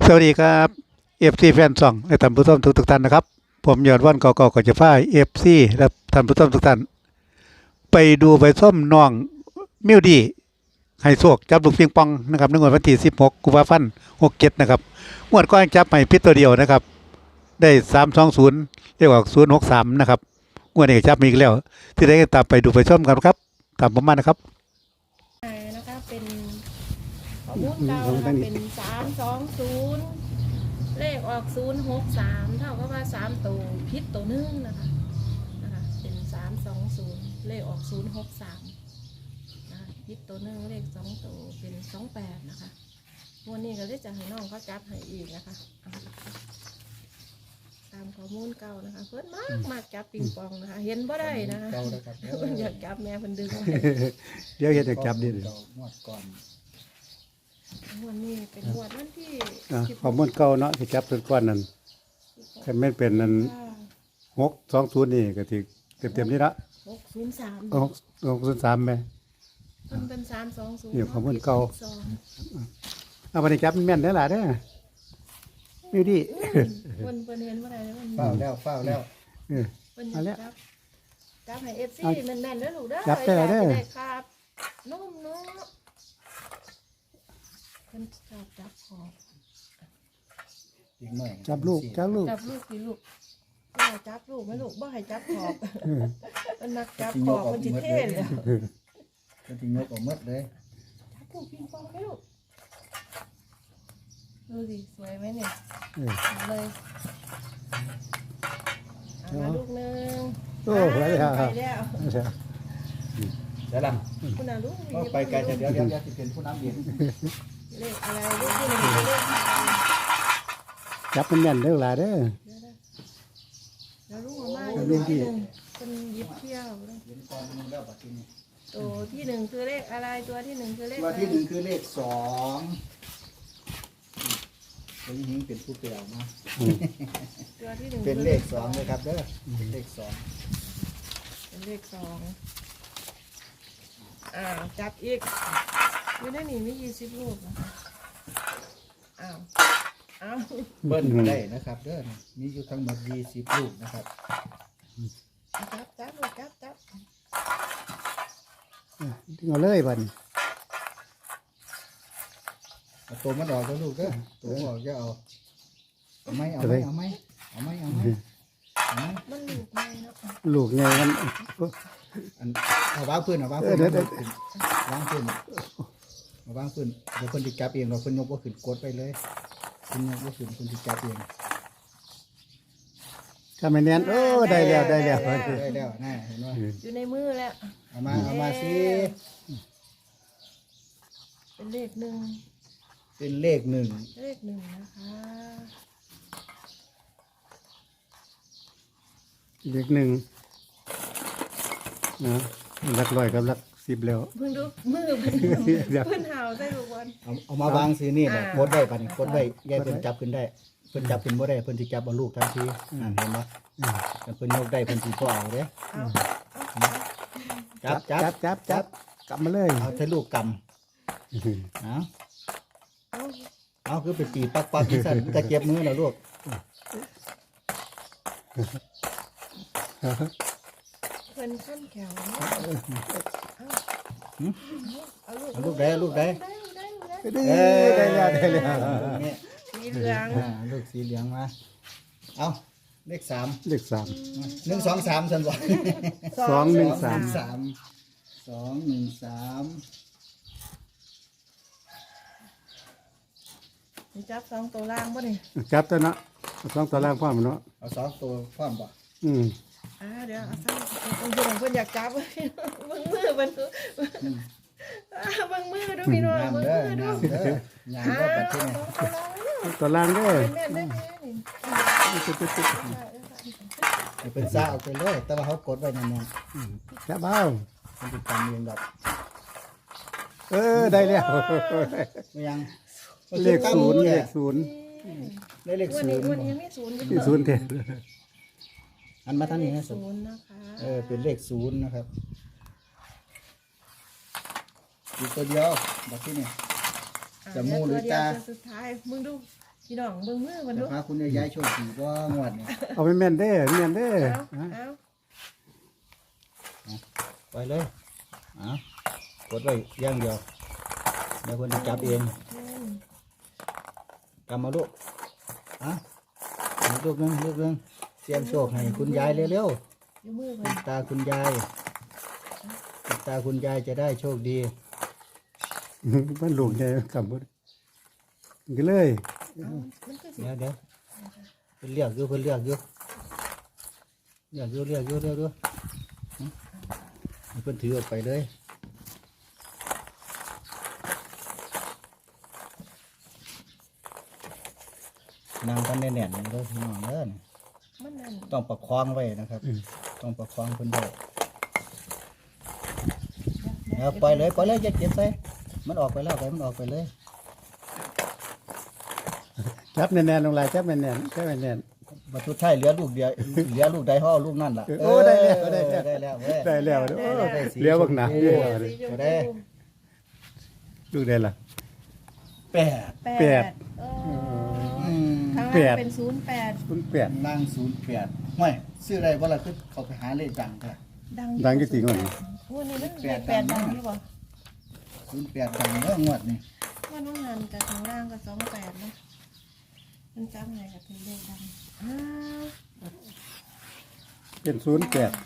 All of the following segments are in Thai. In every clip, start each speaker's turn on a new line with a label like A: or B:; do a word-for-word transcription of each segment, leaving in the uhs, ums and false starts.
A: สวัสดีครับเอฟซีแฟนซองและท่านผู้ชมทุกทุกท่านนะครับผมยอดวันเก่าๆก็จะพาเอฟซีและท่านผู้ชมทุกท่านไปดูไปส้มน้องมิวดีให้โชคจับลูกปิงปองนะครับในงวดวันที่สิบหกกุมภาพันธ์หกเจ็ดนะครับงวดก้อนจับให้พิษตัวเดียวนะครับได้สามสองศูนย์เรียกว่าศูนย์หกสามนะครับงวดนี้จับมีอีกแล้วที่ได้ตามไปดูไปส้มกันครับตามผมมานะครับ
B: นะคะเป็นข้อมูลเก่านะคะเป็นสามสองศูนย์เลขออกศูนย์หกสามเท่ากับว่าสามตัวพิษตัวหนึ่งนะคะนะคะเป็นสามสองศูนย์เลขออกศูนย์หกสามนะพิษตัวหนึ่งเลขสองตัวเป็นสองแปดนะคะวันนี้ก็เลยจะให้น้องเขาจับให้อีกนะคะตามข้อมูลเก่านะคะเพิ่นมากมากจับปิงปองนะคะเห็นบ่ได้นะคะเพิ่นอยากจับแม่เพิ่นดึง
A: เดี๋ยวเห็นจะจับดิ
C: งวดก่อน
B: วันนี้เป็นงวดวันที่
A: ข้อมูลเก่าเนาะที่จับเป็นก้อนนั้นคันแม่นเป็นนั้นหกสองศูนย์นี่ก็ที่เต็มๆนี่ละ
B: หกศูนย์สาม
A: หกหกศูนย์สามไหม
B: มันเป็นสามสองศูนย์
A: นี่ข้อมูลเก่าเอาไปจับแม่นได้หล่ะเด้อมิวดี
B: คนเปิ้นเห็นว่าอะไรมัน
C: เฝ้าแล้วเฝ้าแล้ว
A: เออ
B: เปิ้นจับจับให้เอฟซีแน่นๆเด้อลูกเด้อ
A: จับได้เด้อ
B: ครับนุ่มเนาะเพิ่นจับจับขอบ
A: จับลูกจับลูก
B: จับลูกสิลูกบ่จับลูกไหมลูกบ่ให้จับขอบมันนักจับขอบมันสิเท่เลย
C: มันสิยกออกหมดเลย
B: จับลูกปิงปองให้ลูกดูสิสวยไหมเนี่ยเลยเอามาลูกนึง
A: โอ้ไปแล้ว
B: ไปแล้ว
C: เดี๋ยวล
B: ำคุณอาลูก
C: ไปไกลแต่เดี๋ยวเดี๋ยวจะเป็นผู้นำเดียน
B: เลขอะไรเลขที่หนึ่งเลข
A: จับมันแน่นเด้อล่ะเด้อ
B: แล้วลูกมาบ้านเลขที่หนึ่งเป็นยิบเที่ยวตัวที่หนึ่งคือเลขอะไรตัวที่หนึ่งคือเลข
C: ตัวที่หนึ่งคือเลขสองตัวนี้เป็นผู้เปลี่ยวนะ
B: ตัวที่หนึ่ง
C: เป็นเลขสองเลยครับเด้อเป็นเลขสอง
B: เป็นเลขสองอ้าวจับอีกไม่ได้หนีไม่ยี่สิบลูกนะคะอ้าวอ้าว
C: เบิ้ลได้นะครับเด้อมีอยู่ทั้งหมดยี่สิบลูกนะครับ
B: จับจับลูกจับจับ
A: เอาเลยบัด
C: ตัวมันออกแล้วลูกเด้อตัวออกจะเอาเอาไหมเอาไหมเอาไหมเอาไหมเอาไหม
B: มันลูกไงเนาะ
A: ลูกไงมัน
C: เอาวางพื้นเอาวางพื้นวางพื้นเอาวางพื้นเดี๋ยวคนที่จับเองเราคนยกก็ขึ้นกดไปเลยคนยกก็ขึ้นคนที่จับเอง
A: ถ้าไม่แน่นโอ้ได้แล้วได้แล้ว
C: ได้แล้วน่าเห็นไหม
B: อยู่ในมือแล้ว
C: เอามาเอามาสิ
B: เป็นเลขหนึ่ง
C: เป็นเลขหนึ่ง
B: เลขหนึ่งนะคะ
A: เลขหนึ่งนะหลักร้อยกับหลักสิบแล้ว
B: เพิ่งดูมือเพิ่นเห่าใส่ลูกบอล
C: เอาเอามาวางสินี่แหละกดได้ป่ะนี่กดได้แย่เพิ่นจับขึ้นได้เพิ่นจับขึ้นบ่ได้เพิ่นสิจับเอาลูกทันทีอ่านเห็นบ่แต่เพิ่นยกได้เพิ่นสิบ่เอาเด้จับจับ
A: จับจับกำมาเลย
C: เอาใส่ลูกกำเอาเอาคือไปตีปักปักที่สั่นจะเก็บมือแล้วลูก
B: เพิ่นขั้นแขว
C: เอาลูกได้ลูกได้
A: ได้แล้วได้แล้ว
B: สีเหลือง
C: ลูกสีเหลืองมาเอาเลขสาม
A: เลขสาม
C: หนึ่งสองสามสันบ่
A: สองหนึ่งสาม
C: สามสองหนึ่งสาม
B: จับสองตัวล่างป่ะนี่
A: จับตัวนะสองตัวล่างพร้อมเนาะ
C: เอาสองตัวพร้อมป่ะ
A: อืม
B: อ่าเดี๋ยวเอาซ้ำคนคนคนอยากจับมึงมือมันมึงมือดูพี่น้องมึงมือดู
C: งานก็ปัดที่
A: นี่ตัวล่างด้วย
C: เป็นซ่าเอาไปเลยแต่ว่าเขากดไว้นาน
A: ๆจับเอา
C: มันเป็นการเรียนแบบ
A: เออได้แล้ว
C: ยัง
A: เลขศูนย์เลขศูนย์
C: ได้เลขศูนย์
B: วันนี้ไม่ศูนย์
A: ศูนย์เท่า
C: อันมาทางนี้นะ
B: ศูนย์นะคะ
C: เออเป็นเลขศูนย์นะครับอยู่ตัวเดียวแบบที่นี่จะมูหรือตา
B: สุดท้ายมึงดูพี่น้องเบิ่งมือมัน
C: จะ
B: ดู
C: พาคุณยายโชคดีบ่งวดเนี่ย
A: เอาไปแม่นเด้อแม่นเด้อ
B: เอาเอา
C: ไปเลยอ่ะกดไว้อย่างเดียวเดี๋ยวคนจะจับเอง
B: อืม
C: กำมาลูกอ่ะลูกนึงลูกนึงเสียงโชคให้คุณยายเร็ว
B: อยู่มือ
C: ๆ
B: เพิ่
C: ปิ
B: น
C: ดตาคุณยายปิดตาคุณยายจะได้โชคดี
A: มันลูกใหญ่กำบ่ก็เลย
B: เอามันก็สิ
C: เดี๋ยวเดี๋ยวเพิ่นเรียกอยู่เพิ่นเรียกอยู่เรียกอยู่เรียกอยู่เรียกอยู่หึให้เพิ่นถือออกไปเลยนางกันแน่นๆเลยพี่น้องเด้อ
B: มันนั่น
C: ต้องประคองไว้นะครับ ต้องประคองเพิ่นไว้เอาปล่อยเลยปล่อยเลยอย่าเก็บใส่มันออกไปแล้วไปมันออกไปเลย
A: จับแน่นๆลงลายจับแน่นๆจับแน่น
C: บัตรทุกท้ายเหลือลูกเดียวเหลือลูกใดห่อลูกนั่นล่ะ
A: โอ้ได้แล้วได้แล้ว
C: ได้แล้วเว้ย
A: ๆได้แล้วเด้อโอ้
C: ได้สี
A: เหลี้ยวบักหนา
C: ชมพู
A: เด้อ
B: สีชม
C: ได้
B: พู
A: ลูกได้ล่ะ
C: แปด
A: แปด
B: เออ
C: อืม
B: ข้าง
A: แป
B: ล่าง
A: ด
B: เป็นศูนย์แปด
A: คุณแปด
C: นั่งศูนย์แปดห้วยซื้ออะไรบ่ล่ะคือเขาไปหาเลขดังค่ะ
B: ดัง
A: ดังกี่ตีก่อน
B: งวดนี้มัน
C: แป
B: เล
C: ด
B: ขแปด
C: ดั
B: ดั
C: ง
B: ง
C: มาก
B: หรือเปล่า
C: ศูนย์แปดดังเด้องวดนี่
B: ว่าน้องหันกับข้างล่างกับสองแปดนะมันจำไงกับเป็นเลขดังอ้าว
A: เป็นศูนย์แปด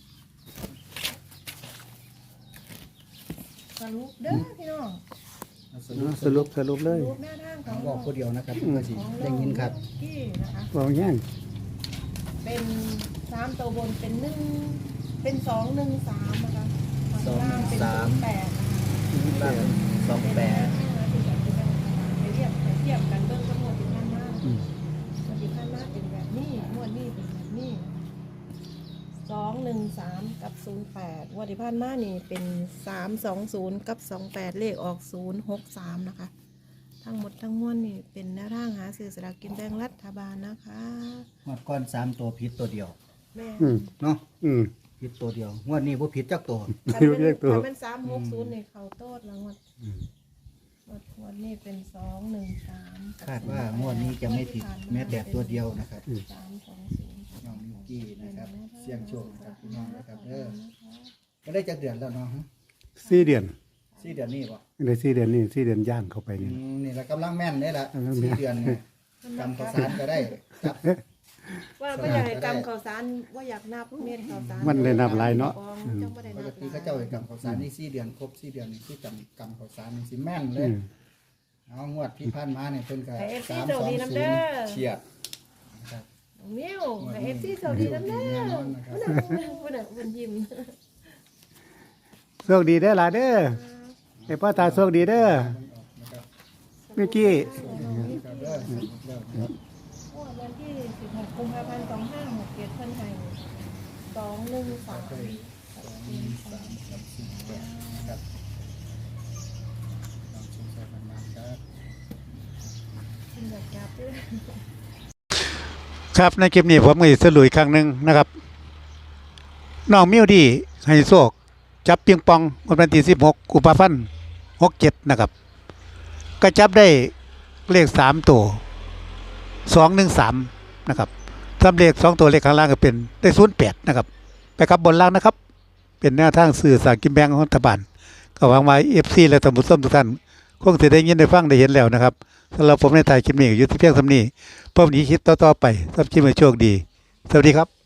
B: สรุปเด้อพี่น้อง
C: เอาส
A: ส
C: รุป
A: รุปสรุปเลย
B: สรุปแนวทางข
C: ขอ
B: อง ง
C: บอกผู้เดียวนะครับเพื่อสิ
B: ของ
C: ได้ยินครับ
B: ที่นะคะ
A: บอกง่าย
B: เป็นสามตัวบนเป็นหนึ่งเป็นสองหนึ่งสามนะคะข้าง
C: สอง
B: ล่างเป็น
C: สาม
B: ศูนย์แปดนะคะ
C: ล่างสองแปด
B: ไปเทียบไปเทียบกันเบื้องต้นหมดที่ท่านมาก
A: อืม
B: หมดที่ท่านมากเป็นแบบนี้หมวดนี้เป็นแบบนี้สองหนึ่งสามกับศูนย์แปดวันที่ผ่านมานี่เป็นสามสองศูนย์กับสองแปดเลขออกศูนย์หกสามนะคะ ทั้งหมดทั้งมวลนี่เป็นแนวทางหาซื้อสลากกินแบ่งรัฐบาลนะคะ
C: งวดก้อนสามตัวผิดตัวเดียว
B: แม่
A: อืม
C: เนาะ
A: อืม
C: ผิดตัวเดียวงวดนี้บ่ผิดจักตัว
B: คัน
A: เรี
B: เป็
A: ยกตัว
B: นคันเป็นสามหกศูนย์นี่เขาโต้แล้วงวดงวดงวดนี้เป็นสองหนึ่งสาม
C: คาดว่างวดนี้จะไม่ผิดแม้แต่ตัวเดียวนะครับ
B: สามสองศูนย์
C: น้องมิวกี้นะครับเสี่ยงโชคนะครับพี่น้องนะครับเด้อก็ได้จักเดือนแล้วเนาะฮะ
A: สี่เดือน
C: สี่เดือนนี้บ่
A: ในสี่เดือนนี่สี่เดือนย่างเข้าไป
C: อื
A: นี่
C: มนี่ละกำลังแม่นได้ละ
A: กำลังแม่น
C: สี่เดือนเนี่ยจำข้าวสารก็ได้จับ
B: ว่าไม่อยากให้กำข่าวสารว่าอยากนับเม็ดข่าวสาร
A: มันได้นับหลายเนาะ
B: จังบ่ได้
C: ป
B: นั
C: ก
B: บ
C: ติเขาเจ้าให้กำข้าวสารนี่สี่เดือนครบสี่เดือนนี่คือจำกำข้าวสารนี่สิแม่นเล
A: อื
C: ย
A: ม
C: เอางวดที่ผ่านมาเนี่ยเพิ่นก็
B: ให้เอฟซี
C: สาม
B: โช
C: ส
B: ค
C: อง
B: ดีน้ำ
C: ศูน
B: เด้
C: ย์
B: อ
C: เฉียดนะครับ
B: น้องมิวให้เอฟซีโชคดีน้ำเด้อ
C: แน่นอนนะครับ
B: พุ่นน่ะพุ่นน่ะพุ่นยิ้ม
A: โชคดีเด้อล่ะเด้อไอ้พ่อตาโชคดีเด้อ
C: นะครับ
A: เมื่อกี้
C: ครับเด้อเด้อ
B: โอ้วันที่สิบหกกุมภาพันธ์สองห้าหกเจ็ดเพิ่นให้สองหนึ่งสาม
C: สองหนึ่งสามกับสี่แปดนะครับลองชมใส่ประมาณครับ
B: เพิ่นอยากจับด้วย
A: ครับในคลิปนี้ผมก็สิสรุปอีกครั้งหนึ่งนะครับน้องมิวดีให้โชคจับปิงปองวันที่สิบหกกุมภาพันธ์หกเจ็ดนะครับก็จับได้เลขสามตัวสองหนึ่งสามนะครับสำเลขสองตัวเลขข้างล่างก็เป็นได้ศูนย์แปดนะครับไปครับบนล่างนะครับ เป็นแนวทางสื่อสารกินแบงของรัฐบาลก็หวังว่าเอฟซีและตำรวจส้มทุกท่านคงจะได้ยินได้ฟังได้เห็นแล้วนะครับสำหรับผมในถ่ายคลิปนี้อยู่ที่เพียงสำนี้พบนี้คิดต่อๆไปสำหรับคลิปให้โชคดี สวัสดีครับ